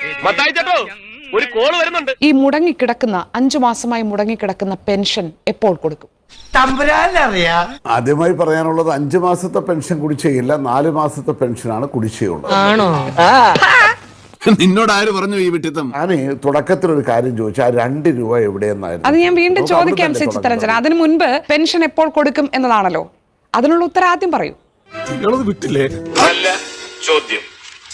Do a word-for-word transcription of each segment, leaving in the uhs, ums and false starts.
ഒരു കോള് വരുന്നുണ്ട്. ഈ മുടങ്ങിക്കിടക്കുന്ന അഞ്ചു മാസമായി മുടങ്ങിക്കിടക്കുന്ന പെൻഷൻ എപ്പോൾ കൊടുക്കും? ആദ്യമായി പറയാനുള്ളത് അഞ്ചു മാസത്തെ പെൻഷൻ കുടിശ്ശികയില്ല, നാല് മാസത്തെ പെൻഷനാണ് കുടിശ്ശികയുള്ളത്. നിന്നോട് ആര് പറഞ്ഞു ഈ വിട്ടിത്തം? ഞാൻ തുടക്കത്തിലൊരു കാര്യം ചോദിച്ചു, ആ രണ്ട് രൂപ എവിടെയെന്നായിരുന്നു. അത് ഞാൻ വീണ്ടും ചോദിക്കാം ശ്രീ ചിത്തരഞ്ജൻ. അതിനു മുൻപ് പെൻഷൻ എപ്പോൾ കൊടുക്കും എന്നതാണല്ലോ, അതിനുള്ള ഉത്തരം ആദ്യം പറയൂ. വിട്ടില്ലേ? അല്ല ചോദ്യം.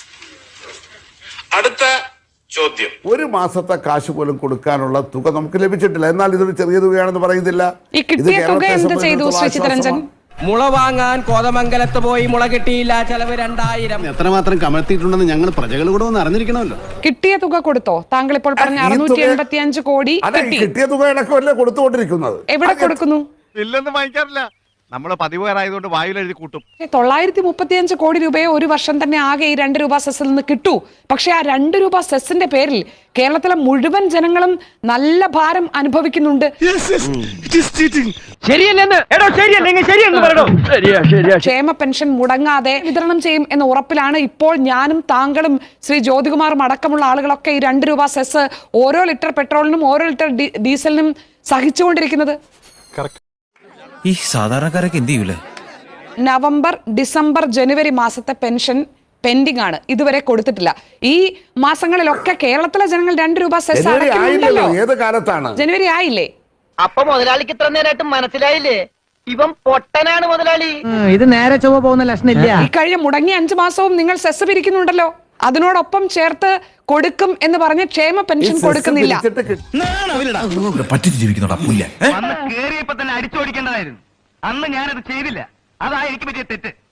അടുത്ത ചോദ്യം. ഒരു മാസത്തെ കാശ് പോലും കൊടുക്കാനുള്ള തുക നമുക്ക് ലഭിച്ചിട്ടില്ല. എന്നാൽ ഇതൊരു ചെറിയ തുകയാണെന്ന് പറയുന്നില്ല. ഈ കിട്ടിയ തുക എന്ത് ചെയ്തു ശ്രീ ചിത്തരഞ്ജൻ? മുള വാങ്ങാൻ കോതമംഗലത്ത് പോയി മുള കിട്ടിയില്ല, ചെലവ് രണ്ടായിരം. എത്രമാത്രം കമഴ്ത്തിയിട്ടുണ്ടെന്ന് ഞങ്ങൾ പ്രജകൾ കൂടെ ഒന്ന് അറിഞ്ഞിരിക്കണമല്ലോ. കിട്ടിയ തുക കൊടുത്തോ? താങ്കൾ ഇപ്പോൾ പറഞ്ഞ അറുന്നൂറ്റി എൺപത്തി അഞ്ച് കോടി കിട്ടിയ തുകയടക്കമല്ലേ കൊടുത്തുകൊണ്ടിരിക്കുന്നത്? എവിടെ കൊടുക്കുന്നു? ഇല്ലെന്ന് വാങ്ങിക്കാറില്ല, നമ്മള് പതിവുകാരായതുകൊണ്ട് വായിൽ എഴുതി കൂട്ടും. തൊള്ളായിരത്തി മുപ്പത്തി അഞ്ച് കോടി രൂപയെ ഒരു വർഷം തന്നെ ആകെ ഈ രണ്ട് രൂപ സെസ്സിൽ നിന്ന് കിട്ടൂ. പക്ഷെ ആ രണ്ട് രൂപ സെസ്സിന്റെ പേരിൽ കേരളത്തിലെ മുഴുവൻ ജനങ്ങളും നല്ല ഭാരം അനുഭവിക്കുന്നുണ്ട്. ക്ഷേമ പെൻഷൻ മുടങ്ങാതെ വിതരണം ചെയ്യും എന്ന ഉറപ്പിലാണ് ഇപ്പോൾ ഞാനും താങ്കളും ശ്രീ ജ്യോതികുമാറും അടക്കമുള്ള ആളുകളൊക്കെ ഈ രണ്ട് രൂപ സെസ് ഓരോ ലിറ്റർ പെട്രോളിനും ഓരോ ലിറ്റർ ഡീസലിനും സഹിച്ചുകൊണ്ടിരിക്കുന്നത്. ഈ സാധാരണക്കാരൊക്കെ എന്ത് ചെയ്യൂലേ? നവംബർ, ഡിസംബർ, ജനുവരി മാസത്തെ പെൻഷൻ പെൻഡിംഗ് ആണ്, ഇതുവരെ കൊടുത്തിട്ടില്ല. ഈ മാസങ്ങളിലൊക്കെ കേരളത്തിലെ ജനങ്ങൾ രണ്ട് രൂപ സെസ് അടയ്ക്കുന്നുണ്ടല്ലോ. ഏത് കാലത്താണ്? ജനുവരി ആയില്ലേ? അപ്പൊ മുതലാളിക്ക് ഇത്ര നേരമായിട്ട് മനസ്സിലായില്ലേ ഇവൻ പൊട്ടനാണ് മുതലാളി? ഇത് നേരെ ചൊവ്വ പോകുന്ന ലക്ഷണില്ല. ഈ കഴിഞ്ഞ മുടങ്ങിയ അഞ്ചു മാസവും നിങ്ങൾ സെസ് പിരിക്കുന്നുണ്ടല്ലോ, അതിനോടൊപ്പം ചേർത്ത് കൊടുക്കും എന്ന് പറഞ്ഞ് ക്ഷേമ പെൻഷൻ കൊടുക്കുന്നില്ല. പറ്റിച്ച് ജീവിക്കുന്നുണ്ടാ പുല്ല. കേറിയപ്പോ തന്നെ അടിച്ചോടിക്കേണ്ടതായിരുന്നു. അന്ന് ഞാനത് ചെയ്തില്ല, അതാ എനിക്ക് പറ്റിയ തെറ്റ്.